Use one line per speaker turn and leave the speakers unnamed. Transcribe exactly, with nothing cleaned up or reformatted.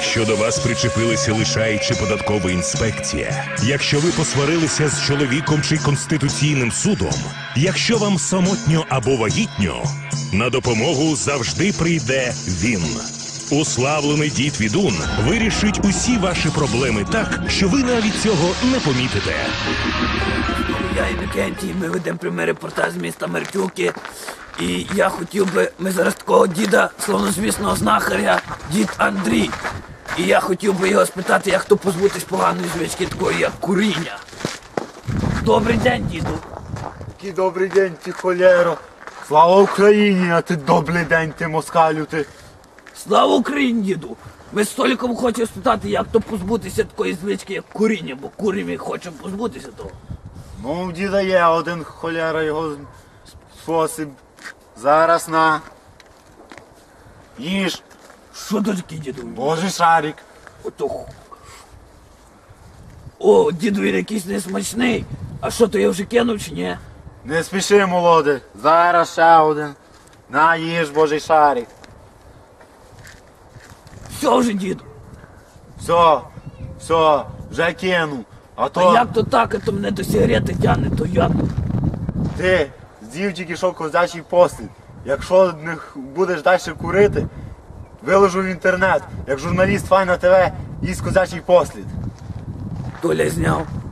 Якщо до вас причепилися лишай чи податкова інспекція, якщо ви посварилися з чоловіком чи Конституційним судом, якщо вам самотньо або вагітньо, на допомогу завжди прийде він. Уславлений дід Відун вирішить усі ваші проблеми так, що ви навіть цього не помітите.
Я і Вікентій, ми ведемо прямий репортаж з міста Меркюки. І я хотів би, ми зараз такого діда, славнозвісного знахаря, дід Андрій. І я хотів би його спитати, як то позбутись поганої звички такої, як куріння. Добрий день, діду.
Який добрий день, ти холєро. Слава Україні, а ти добрий день, ти москалю, ти.
Слава Україні, діду. Ми з Толіком хочемо спитати, як то позбутися такої звички, як куріння, бо куримо і хочемо позбутися того.
Ну, в діда є один холєра його спосіб. Зараз на. Їж.
Що то таке, діду?
Божий шарик.
Ото... ху- О, діду, він якийсь несмачний. А що, то я вже кинув чи ні?
Не спіши, молоде. Зараз ще один. На, їж, Божий шарик.
Все вже, діду.
Все, все, вже кину. А то
А як то так, а то мене до сигарети тягне, то як?
ти з'їв тільки що козячий послід. Якщо не х- будеш далі курити, виложу в інтернет, як журналіст Файна ТВ, їсть козячий послід.
Толя зняв.